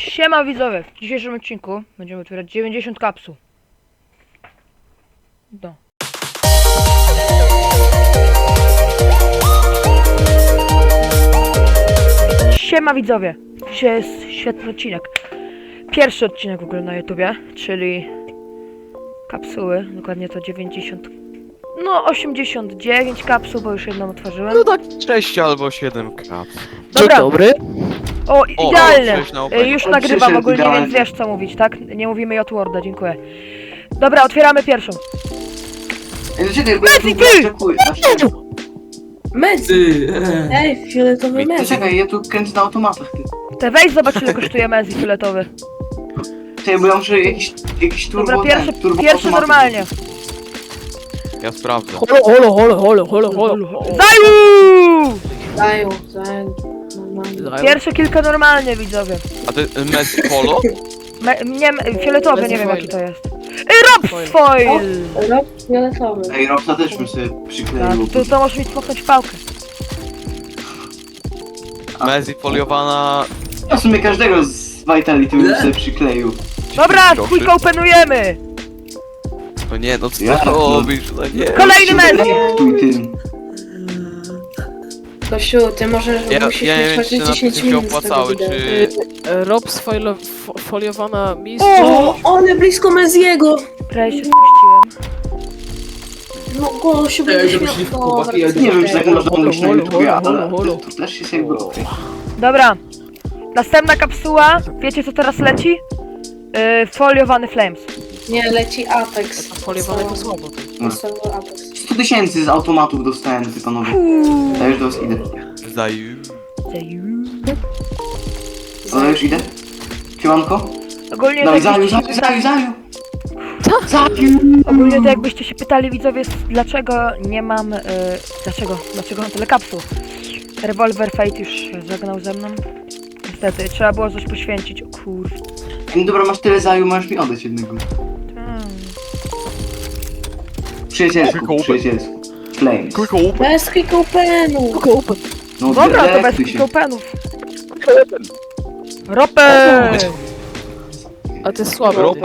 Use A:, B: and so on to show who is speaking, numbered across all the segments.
A: Siema widzowie, w dzisiejszym odcinku będziemy otwierać 90 kapsuł. No. Siema widzowie, dzisiaj jest świetny odcinek. Pierwszy odcinek w ogóle na YouTubie, czyli kapsuły, dokładnie to 90, no 89 kapsuł, bo już jedną otworzyłem.
B: No tak 6 albo 7 kaps.
A: Dobra.
C: Dzień dobry.
A: O, idealne!
B: cześć na opening.
A: Już nagrywam
D: Przyszedł
A: ogólnie,
D: idealnie.
A: więc wiesz co mówić, tak? Nie mówimy J-Worda, dziękuję. Dobra, otwieramy pierwszą.
D: Ej, no czekaj, bo ja tu
A: Medzy, ty!
D: oczekuję.
E: Medzy! Ej, fioletowy
D: To
E: medzy.
D: czekaj, ja tu kręcę na automatach, ty.
A: Te weź zobacz ile kosztuje Mezi fioletowy.
D: Czekaj, bo ja muszę jakiś turbo...
A: Dobra,
D: turbo
A: pierwszy
D: automaty
A: normalnie.
B: Ja sprawdzę.
C: Holo.
A: Zaju!
E: Dają.
A: Pierwsze kilka normalnie widzowie.
B: A ty Messi Polo?
A: Fioletowy, nie wiem jaki to jest. Rob foil!
E: Rob fioletowy.
D: Ej, Robsa też bym sobie przykleił.
A: To możesz mi smoknąć pałkę.
B: Messi foliowana...
D: Ja w sumie każdego z Vitality bym sobie przykleił.
A: Dobra,
B: 10
A: quick
B: groszy.
A: openujemy!
B: No nie, no co
D: Ja-
B: ty robisz? No nie.
A: Kolejny Messi!
D: Tuj tym.
E: Kosiu, ty możesz, musisz
B: Ja nie
E: mieć
B: wiem, czy
E: chociaż
B: na
E: 10
B: tym się
E: minut z tego
B: opłacały,
E: wideo.
B: czy...
C: Rob foliowana mistrz.
E: O, one blisko Meziego!
A: Prawie się spuściłem.
E: No Gosiu, będziesz miał...
D: Nie wiem, czy tak można mówić na
C: Holo,
D: YouTubie,
C: holo,
D: ale
C: holo.
D: to też jest jakby okej.
A: Dobra. Następna kapsuła. Wiecie co teraz leci? Foliowany Flames.
E: Nie, leci Apex.
C: Foliowane to słabo.
E: Podstawowy Apex.
D: 100 000 z automatów dostałem, ty panowie. Ja już do was idę.
B: Zaju...
D: Ale już idę. Siemanko.
A: Ogólnie
D: Dawaj,
A: to,
D: zaju. Zaju.
A: ogólnie to jakbyście się pytali widzowie, dlaczego nie mam... dlaczego mam tyle kapsuł? Revolver Fate już się żegnał ze mną. Niestety, trzeba było coś poświęcić, o kurwa.
D: No dobra, masz tyle zaju, możesz mi oddać jednego. Przyjacielsku. Flames.
B: Quick open!
E: Bez quick openu!
D: No
A: Dobra, to bez
D: delektuj się.
A: openów. Ropę!
C: A ty słabo.
B: Rob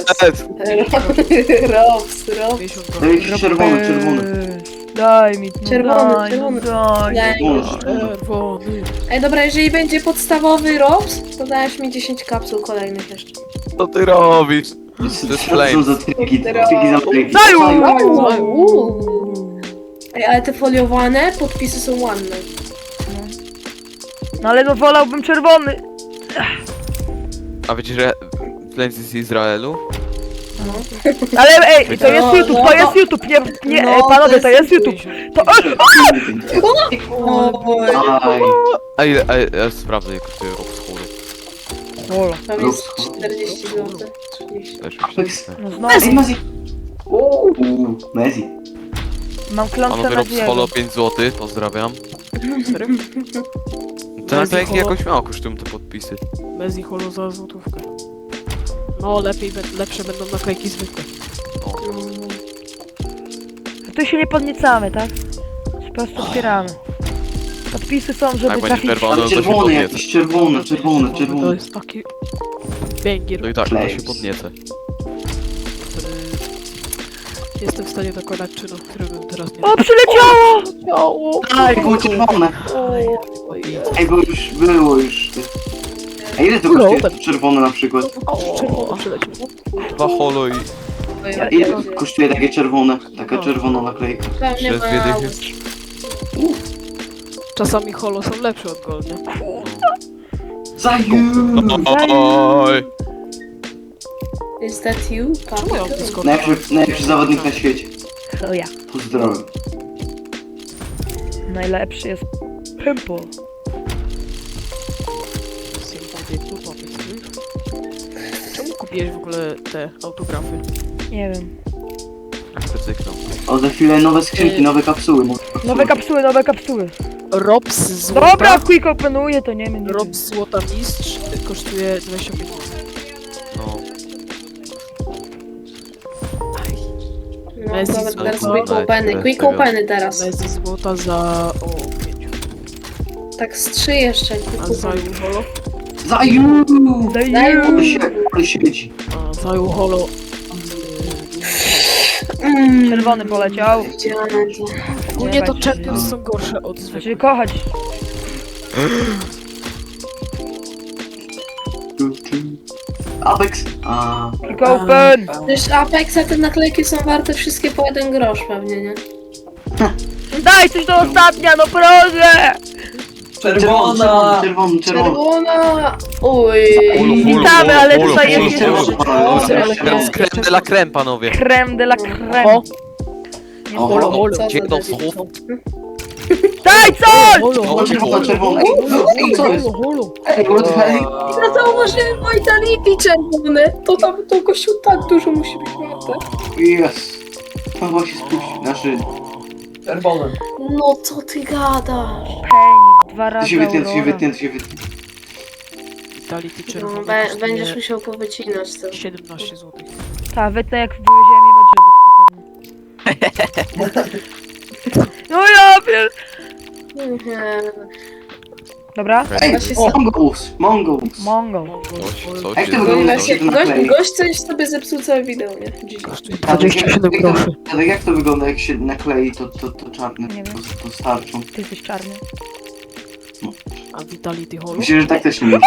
E: Robs.
D: Daj jakiś czerwony.
A: Daj mi, no
E: Czerwony,
A: daj,
E: czerwony.
A: no daj.
E: Daj.
C: Czerwony.
E: Ej, dobra, jeżeli będzie podstawowy Robs, to dajesz mi 10 kapsuł kolejnych jeszcze.
B: Co ty robisz?
D: To
B: jest
D: są
B: Flames.
D: za triki za triki.
A: Zaju!
E: Ej, ale te foliowane podpisy są ładne.
A: No ale no wolałbym czerwony.
B: A wiecie, że Flames jest z Izraelu?
A: Ale ej, to jest
E: No,
A: YouTube,
E: no,
A: to jest YouTube, nie,
E: no,
A: panowie, to jest YouTube. To,
D: Aj.
B: Ja sprawdzę, jak kosztuje Rob z Holo.
A: Ola,
E: Tam jest 40 zł. 30.
B: Też
D: Apex.
A: no znowu,
D: Ej, Mezi. Mezi.
A: mam klątwę
B: Panowie
A: na
B: Rob z Holo 5 zł, pozdrawiam. To
C: Messi
B: nawet
C: Holo.
B: jakoś mało kosztują te podpisy.
C: Mezi holo za złotówkę. No lepsze będą naklejki zwykłe.
A: tu się nie podniecamy, tak? Po prostu otwieramy. Podpisy są, żeby
B: Jak będzie
A: trafić...
B: czerwony, to się
D: Czerwony
B: podniecę.
D: jakiś, czerwony.
C: To jest taki... Węgier,
B: No i tak, to się
D: Flames.
B: podniecę.
C: który... Jestem w stanie dokonać czynu, którego teraz nie...
A: O, przyleciało!
C: Ciało!
D: Aj, było czerwone. Ej, bo już było już. A ile to kosztuje czerwone na przykład?
C: Czerwono przyleciał.
B: 2 Holo i
D: A ile kosztuje takie czerwone? Taka czerwona naklejka.
E: Pewnie
B: przez dwie
E: ma...
B: dychy.
C: Czasami holo są lepsze od gold, nie?
D: Zaju!
B: Oj!
E: Is that you?
C: Czemu ja mam
E: Papi?
C: Discord?
D: Najlepszy zawodnik na świecie.
A: To ja.
D: Pozdrawiam.
A: Najlepszy jest Pimple.
C: Czemu kupiłeś w ogóle te autografy?
A: Nie wiem.
B: Jak cyknął.
D: O, za chwilę nowe skrzynki, nowe kapsuły.
A: Nowe kapsuły.
C: Robs złota.
A: Dobra, quick openuję, to nie wiem. Nie wiem.
C: Robs złota mistrz kosztuje 25 zł.
B: No.
E: No,
C: Messi
E: dobra,
C: złota.
E: teraz quick openy.
B: Bez
E: Quick
B: tego.
E: openy teraz.
C: Mezi złota za... o 5.
E: Tak z 3 jeszcze.
C: A
E: Quick
C: za
E: openy.
C: holo?
D: Zaju!
A: Zaju!
D: Ale siedzi.
C: A, zajął holo.
A: Czerwony poleciał.
E: Widziałem to.
C: Ogólnie to
A: Jebać.
C: Champions są gorsze od zwykłych.
A: Znaczy kochać.
D: Apex. A.
A: Click open!
E: Przecież Apexa te naklejki są warte wszystkie po 1 grosz pewnie, nie?
A: Daj coś do ostatnia, no proszę!
F: Czerwona!
D: Czerwony.
E: Czerwona! Uj.
A: Witamy, ale
B: Holo,
A: tutaj
B: holo,
A: jest jeszcze
B: holo.
A: trzy.
B: Teraz creme de la creme, panowie.
A: Creme de la creme.
C: O!
A: Nie
D: O,
C: Holo,
A: znam.
C: holo.
E: Co za
B: Gdzie do
E: debil.
B: słów?
A: Daj coś!
C: Holo,
D: Czerwony. Ej, co jest?
C: holo.
D: Ej, what the hell?
E: Ja zauważyłem Vitality czerwone. To tam to gościu tak dużo musi być warte.
D: Yes. To właśnie spuścił. Znaczy,
F: Czerwona.
E: No co ty gadasz?
A: Penis, dwa
D: to
A: razy
D: się wytnie,
A: Aurora.
C: Vitality
E: No,
C: czerwony
E: będziesz
C: kosztuje
E: musiał powycinać to.
C: 17 zł.
A: Ta, wytnę jak wywieziemy jebać żydów. No ja pier...
E: Nie.
A: Dobra,
D: Ej,
E: Właśnie
D: Mongols.
A: Mongo.
B: Coś
D: Jak to
B: jest
D: wygląda?
B: dobrze.
D: się to naklei?
E: Gość coś sobie zepsuł całe wideo, nie? GG.
C: Kosztuje 27 groszy.
D: Ale jak to wygląda, jak się naklei to czarne?
A: Nie wiem.
D: To starczą.
A: Ty jesteś czarny.
C: A Vitality holo?
D: Myślę, że tak też nie będzie.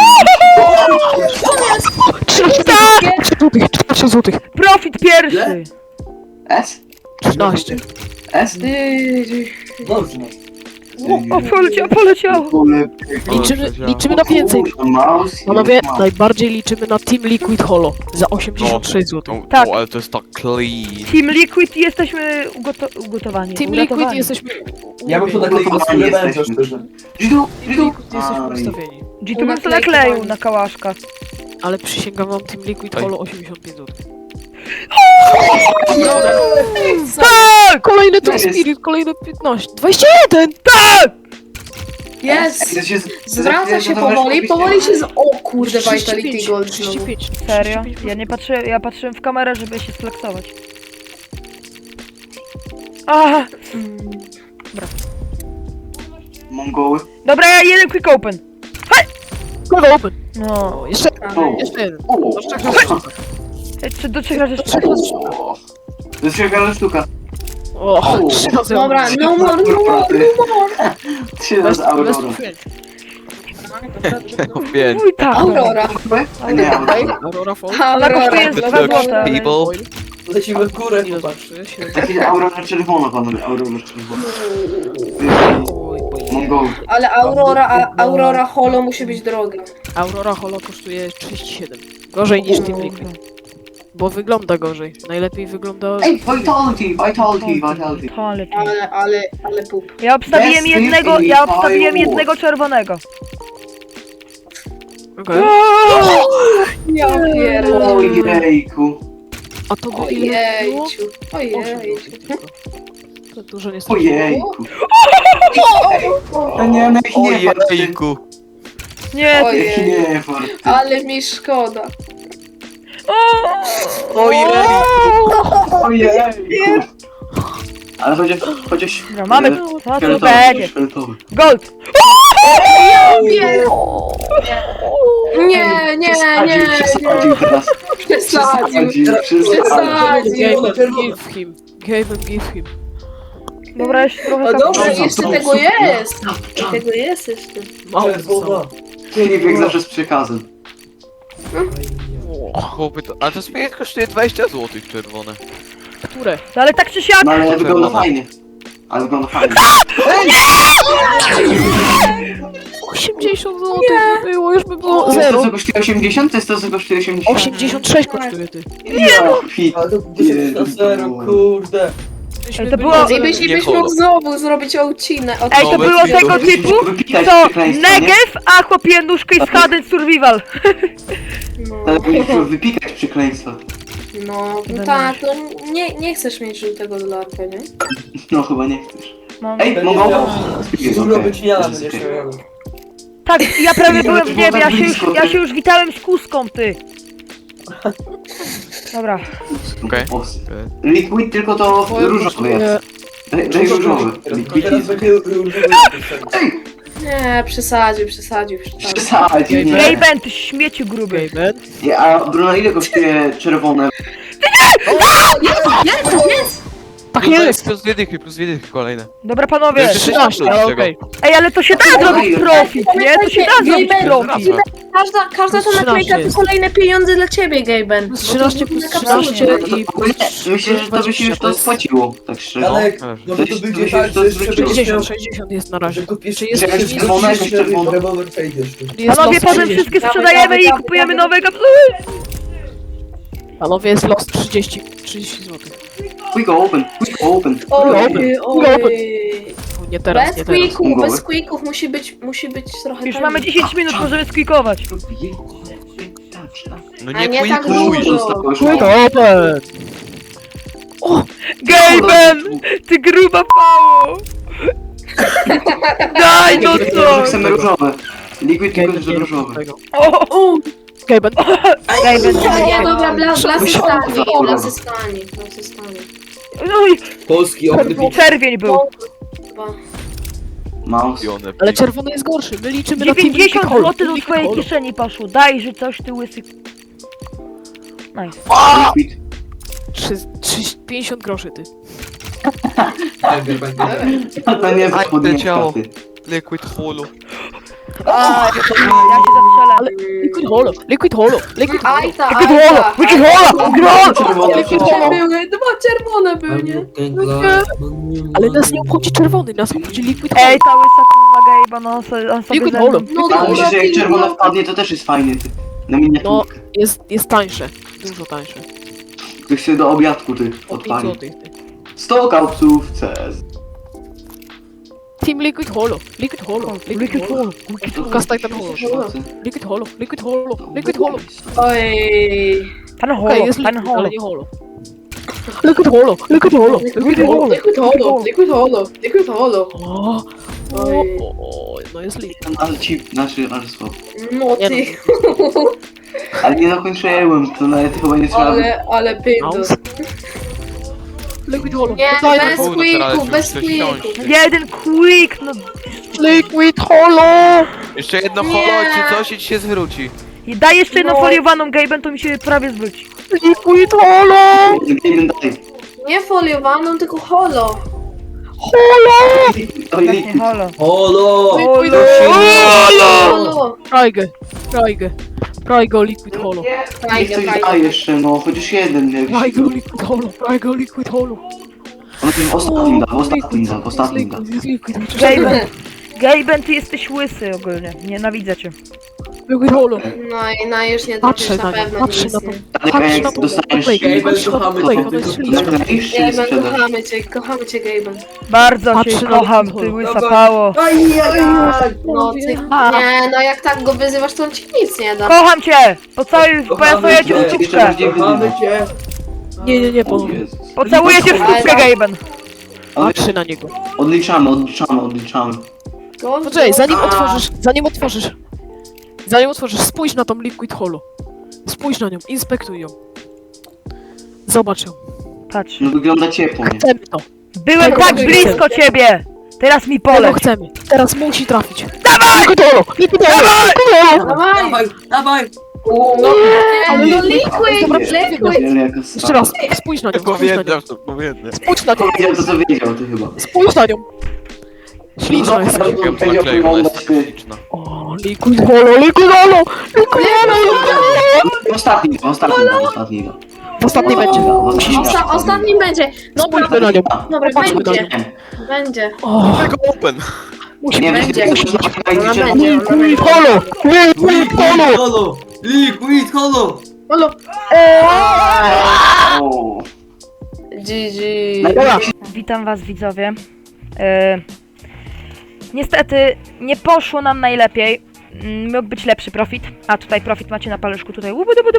C: 13 zł.
A: Profit pierwszy!
D: S?
C: 13.
D: S?
F: Dobrze.
A: O, poleciało!
C: Liczymy na więcej.
D: Mouse.
C: Panowie, najbardziej liczymy na Team Liquid Holo za 86 zł.
B: No,
A: Tak.
B: ale to jest tak clean.
A: Team Liquid jesteśmy ugotowani.
C: Team Liquid
A: uratowani.
C: jesteśmy...
F: Ja bym to nakleił na skórę węża, szczerze.
D: Jidu,
C: Team Liquid jesteśmy ustawieni.
A: G tu bym to nakleił na kałaszka.
C: Ale przysięgam wam Team Liquid
B: Oj.
C: Holo 85 zł.
A: Tak!
C: Kolejny
D: To
C: to
D: jest-
C: Spirit, kolejny 15. 21!
E: Jest!
D: Ej, to się
E: Zwraca się
D: to
E: powoli,
D: weź
E: powoli się z... O kurde,
C: 35,
E: Vitality Gold znowu.
C: 35.
A: Serio?
C: 35.
A: Ja nie patrzyłem, ja patrzyłem w kamerę, żeby się sflexować. Aha!
D: Mongoły.
A: Dobra, ja jeden quick open.
C: Kogo open?
A: No.
C: O, jeszcze,
D: O.
C: jeszcze jeden.
D: O.
C: Do trzech razy sztuka.
A: Czy do 3 razy
C: Do trzech razy sztuka.
D: To jest wielka sztuka.
C: O, 3 razy
E: Dobra,
C: open.
E: no more, no more, no more.
D: 3
C: Best,
D: razy Aurora.
C: best of 5.
B: No, pięć.
A: Mój tak.
E: Aurora.
D: Nie, Aurora.
C: Aurora Fall.
A: Ona kosztuje
E: Aurora.
A: 2 złote. ale-
B: People.
F: Lecimy w górę,
C: Ile
F: chłopak.
C: zobaczy? 7.
D: Taki Aurora czerwona, panowie. Aurora czerwona.
C: Oj, oj.
D: Mongoły.
E: Ale Aurora Holo musi być droga.
C: Aurora Holo kosztuje 37. Gorzej niż Team Liquid. Bo wygląda gorzej. Najlepiej wygląda...
D: Ej, Vitality.
A: Totality.
E: Ale pup.
A: Ja obstawiłem
D: Best
A: jednego,
D: in
A: ja obstawiłem
D: fireworks.
A: jednego czerwonego.
C: Okej.
E: Ja pierdolę.
D: Ojejku.
C: A to by ile było?
E: Ojejciu.
C: 8
E: Ojejciu.
C: zł tylko. To dużo nie straciło.
D: Ojejku. Nie, no nie,
B: Ojejku.
A: Nie, ty...
E: Ojej.
D: nie, farty.
E: Ale mi szkoda.
B: Ojejku.
D: Ojejku. Ale chociaż...
A: Dobra, mamy... No co
D: Fioletowy,
A: będzie?
D: fioletowy.
A: Gold!
E: Nie.
D: Przesadził teraz.
E: Przesadził.
D: Przesadził.
C: Game
F: Czerwona.
C: give him. Game and give him.
A: Dobra, jeszcze trochę
E: O dobrze,
A: kapsuł.
E: jeszcze tego jest. Tego jest jeszcze.
C: Mało
F: Czerwona.
C: zostało.
D: Filip jak zawsze z przekazem.
B: Chłopy, to... A to spirit kosztuje 20 zł czerwone.
C: Które?
A: No ale tak czy siak...
D: No ale wygląda fajnie. Ale wygląda fajnie.
C: 80 zł by było, już by było
D: To jest to,
C: 0.
D: co kosztuje 80? To jest to, co kosztuje 80?
C: 86 kosztuje ty.
D: Fit.
F: Ale to 10 na 0, kurde.
A: Ej, to było-
E: I byś
B: Nie
E: mógł
B: holo.
E: znowu zrobić odcinek.
A: Ej, to
B: No,
A: było
B: bez
A: tego
B: kitu.
A: typu,
D: Wypikać
A: co
D: przekleństwo, nie?
A: Negev, a chłopie nóżkę i Hadden Survival.
D: Ale powinniśmy wypikać przekleństwa.
E: No tak, to nie chcesz mieć żółtego dolarka, nie?
D: No chyba nie chcesz.
A: Mam...
D: Ej,
F: Będzie
D: mogą?
F: miał
D: Jest
F: dużo
D: okej.
F: wyciniana
D: Jest
F: będziesz
D: okej.
F: miał.
A: Tak, ja prawie
D: Nie,
A: byłem
D: to
A: w
D: było
A: niebie,
D: tak blisko,
A: ja
D: ty.
A: się już witałem z kuską, ty. Dobra,
B: Okej.
D: Osy. Liquid tylko to różowy jest. Daj różowy.
F: To
D: Liquid
F: teraz
D: jest.
F: będzie różowy.
D: Ej!
E: Nie, przesadził.
D: Przesadzi, nie.
A: Gejben, ty śmieciu gruby.
C: Gaben.
D: A Bruno, ile kosztuje czerwone?
E: Jest!
C: Tak
B: Plus
C: jest!
B: plus dwie dychy kolejne.
A: Dobra panowie.
B: Jeszcze
C: 13, ale okej.
A: Ej, ale to się da zrobić profit, nie? To się da zrobić profit.
E: Każda ta
C: 13
E: naklejka to
C: jest.
E: kolejne pieniądze dla ciebie, Gaben.
C: Plus 13 plus 13 i
D: Myślę, że to by się już to spłaciło, tak szczerze.
F: Janek,
B: Ależ.
F: może to
D: To
F: będzie
D: jest-
F: tak,
D: to
F: że
D: jest
F: jeszcze
D: zwykłe.
C: 60 jest na razie.
F: że kupisz
C: Czy jest
D: jakaś
C: jest-
D: czerwona, jakaś czerwona?
F: rewolwer przejdziesz tu.
C: jest
A: Panowie,
C: los
A: potem
C: 30.
A: wszystkie
E: Dawaj,
A: sprzedajemy
E: dawaj,
A: i
E: dawaj,
A: kupujemy
E: dawaj.
A: nowe kapsuły.
C: Panowie, jest los 30 zł.
D: Quick open, quick open.
C: Nie teraz,
E: Bez
C: nie teraz.
E: quicków, bez quicków musi być trochę
A: Już
E: taniej.
A: mamy 10 minut, możemy squeakować.
B: No
E: A
B: nie
E: nie tak
B: quituj!
E: dużo.
C: Open!
A: Gejben, ty gruba pało. Daj no
D: Tylko,
A: co.
D: że chcemy różowe. Liquid tylko,
C: Gaben
D: że
C: nie
D: różowe.
C: tego.
A: O,
C: Gaben.
A: Gejben,
E: Nie, dobra, blasy
D: Myślałem,
E: stani,
D: że-
E: blasy stani.
A: oj,
F: Polski okryp.
A: czerwień był.
D: Mouse.
C: Ale czerwony jest gorszy. My liczymy na
A: 90
C: Team Liquid
A: zł do
C: Holo.
A: twojej kieszeni poszło. Daj, że coś ty łysy. Nice.
D: Liquid.
C: 50 groszy ty.
D: To nie
B: Aj,
D: jest podniebka,
B: leciało.
D: ty.
B: Liquid holo.
A: Ja się zastrzelę.
C: Liquid Holo, Liquid Holo, Liquid Holo.
E: Ajta,
A: Wicked Holo, Wicked Holo, Gro!
D: Czerwone, czerwone.
E: były, dwa czerwone były, nie?
C: Ale nas nie obchodzi czerwony, nas obchodzi Liquid Holo.
A: Ej, ta łysa kurwa gejba, no on sobie
C: Liquid
A: ze
C: Holo.
A: mną.
E: No
D: A
E: dobra,
D: myślę, że jak
E: pilno.
D: czerwona wpadnie, to też jest fajnie, ty. Na miniaturkę.
C: Jest tańsze, dużo tańsze.
D: Ktoś sobie do obiadku, ty,
C: O 5
D: odpali.
C: zł.
D: 100 kapsów CS.
C: Team Liquid Holo, Liquid Holo, Liquid Holo. Cast Titan Holo. Liquid Holo, Liquid Holo, Liquid Holo.
E: Oj.
A: Pan
C: Okej,
A: holo,
C: jest
A: pan
C: Liquid,
A: holo.
C: ale nie Holo. Liquid Holo, Liquid Holo, Liquid Holo.
E: Liquid Holo.
C: O,
E: Oj.
C: no jest Liquid.
D: Ale ci, ale słabo.
E: No
C: Nie
E: ty,
D: Ale nie dokończyłem, to nawet chyba nie trzeba.
E: ale pindus.
C: Liquid Holo.
E: Nie,
C: Daj
E: bez
B: Gówno, teraz
E: quicków,
B: już
E: bez
B: coś
E: quicków.
B: wsiąść.
A: Jeden quick, no.
C: Liquid Holo!
B: Jeszcze jedno
E: Nie.
B: holo, czy coś i ci się zwróci.
A: I daj jeszcze jedną
E: No.
A: foliowaną gejben, to mi się prawie zwróci.
C: Liquid Holo!
D: Jeden dalej.
E: Nie foliowaną, tylko holo.
D: Oj,
A: Właśnie holo.
F: Holo!
E: Holo.
C: Prajgo Liquid Holo.
D: niech coś da jeszcze, no, chociaż jeden. Jak
C: Prajgo Liquid Holo, Prajgo Liquid Holo.
D: on tym ostatnim da, w ostatnim da, w ostatnim da.
C: Jest Liquid,
A: Gejben. Gejben, ty jesteś łysy ogólnie. Nienawidzę cię.
C: Liquid Holo.
E: No już nie
C: Patrzę
E: trafisz
C: na
E: na
C: nie,
E: pewno
C: patrzę
E: nic,
C: na to.
E: nie.
D: Ale
C: Patrz
D: jak
C: na to,
D: dostaniesz
C: Gaben,
D: się,
C: patrz na to,
F: kochamy
C: Gaben,
F: cię,
C: to jest
F: kochamy
C: liczba.
D: nakleisz czy
E: Gaben,
D: sprzedasz?
E: kochamy cię, Gaben.
A: Bardzo
C: Patrzę
A: cię
C: na
A: kocham,
C: to.
A: ty łysa
F: Dawaj.
A: pało.
E: No ty, nie, no jak tak go wyzywasz, to on ci nic nie da.
A: Kocham cię! Pocałuję cię w
D: Jeszcze
A: stópkę.
D: bardziej
F: Kochamy
D: wyzywać.
F: cię!
C: Nie,
D: O
C: panowie.
D: Jezus.
A: Pocałuję cię w stópkę, Gejben.
D: Ale
C: Patrzy na niego.
D: odliczamy.
C: Poczekaj, zanim otworzysz, spójrz na tą Liquid Holo. Spójrz na nią, inspektuj ją. Zobacz ją.
A: Patrz.
D: No wygląda ciepło, nie?
C: Chcemy to.
A: Byłem
C: Tego
A: tak
C: chcemy.
A: blisko ciebie! Teraz mi
C: Tego
A: poleć.
C: chcemy. Teraz musi trafić.
A: Dawaj!
C: Liquid Holo! Liquid Holo! Liquid Holo!
E: Dawaj!
F: Dawaj, dawaj!
E: No,
C: Ale
E: no
C: liquid, dobra,
E: liquid.
D: Wiele jaka
C: Jeszcze raz, spójrz na nią, spójrz na nią.
B: Powiedział, to powiedział.
C: Spójrz na nią,
D: Powiedział to, co wiedział, ty chyba.
C: spójrz na nią. Śliczna jest.
D: Powiedział,
B: Naklejka, ona jest
D: wyglądać,
B: taka
D: ty.
B: śliczna.
C: O, Liquid Holo, Liquid Holo! Liquid Holo!
D: Ostatni da.
C: W ostatniej będzie.
E: Ostatnim będzie. Dobra,
C: Spójrzmy na nią.
E: dobra,
C: Patrzmy na nią.
E: będzie.
C: O,
B: Tylko open.
C: musi
D: Nie,
C: być.
E: Będzie.
D: będzie.
E: Ona będzie.
C: Liquid Holo! Liquid Holo!
F: Holo! Liquid holo!
E: Holo.
D: O.
E: GG.
A: Witam was widzowie. Niestety nie poszło nam najlepiej. Mógł być lepszy profit. A tutaj profit macie na paluszku. Tutaj.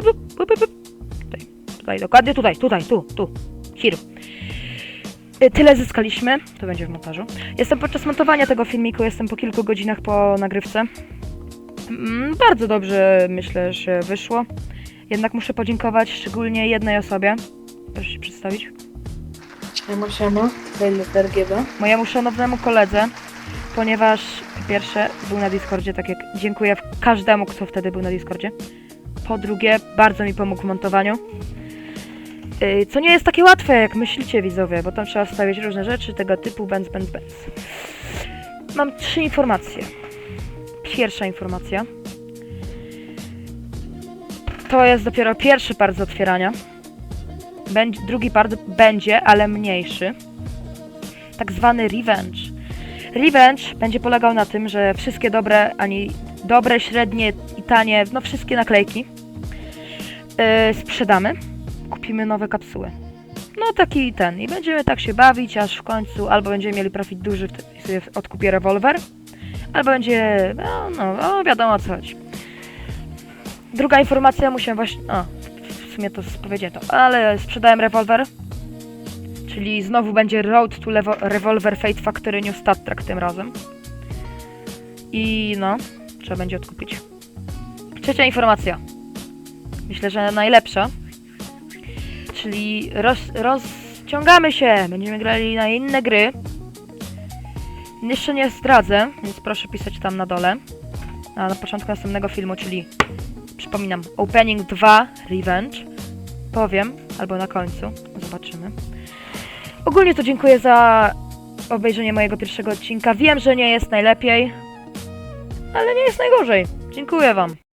A: Tutaj, dokładnie tutaj. Tu. Here. Tyle zyskaliśmy. To będzie w montażu. Jestem podczas montowania tego filmiku. Jestem po kilku godzinach po nagrywce. Bardzo dobrze myślę, że wyszło. Jednak muszę podziękować szczególnie jednej osobie. Proszę się przedstawić.
E: Siema. Tutaj RGB.
A: Mojemu szanownemu koledze, ponieważ Po pierwsze, był na Discordzie, tak jak dziękuję każdemu, kto wtedy był na Discordzie. Po drugie, bardzo mi pomógł w montowaniu. Co nie jest takie łatwe, jak myślicie, widzowie, bo tam trzeba wstawiać różne rzeczy tego typu, benz. Mam 3 informacje. Pierwsza informacja. To jest dopiero pierwszy part z otwierania. Drugi part będzie, ale mniejszy. Tak zwany revenge. Revenge będzie polegał na tym, że wszystkie dobre, średnie i tanie, no wszystkie naklejki sprzedamy. Kupimy nowe kapsuły. No taki ten. I będziemy tak się bawić, aż w końcu albo będziemy mieli profit duży, wtedy sobie odkupię rewolwer, albo będzie, no wiadomo o co chodzi. Druga informacja, musiałem właśnie, w sumie to powiedziałem to, ale sprzedałem rewolwer, czyli znowu będzie Road to Revolver Fate Factory New Stat Track tym razem. I no, trzeba będzie odkupić. Trzecia informacja. Myślę, że najlepsza. Czyli rozciągamy się, będziemy grali na inne gry. Jeszcze nie zdradzę, więc proszę pisać tam na dole. A na początku następnego filmu, czyli przypominam, Opening 2 Revenge. Powiem, albo na końcu, zobaczymy. Ogólnie to dziękuję za obejrzenie mojego pierwszego odcinka. Wiem, że nie jest najlepiej, ale nie jest najgorzej. Dziękuję wam.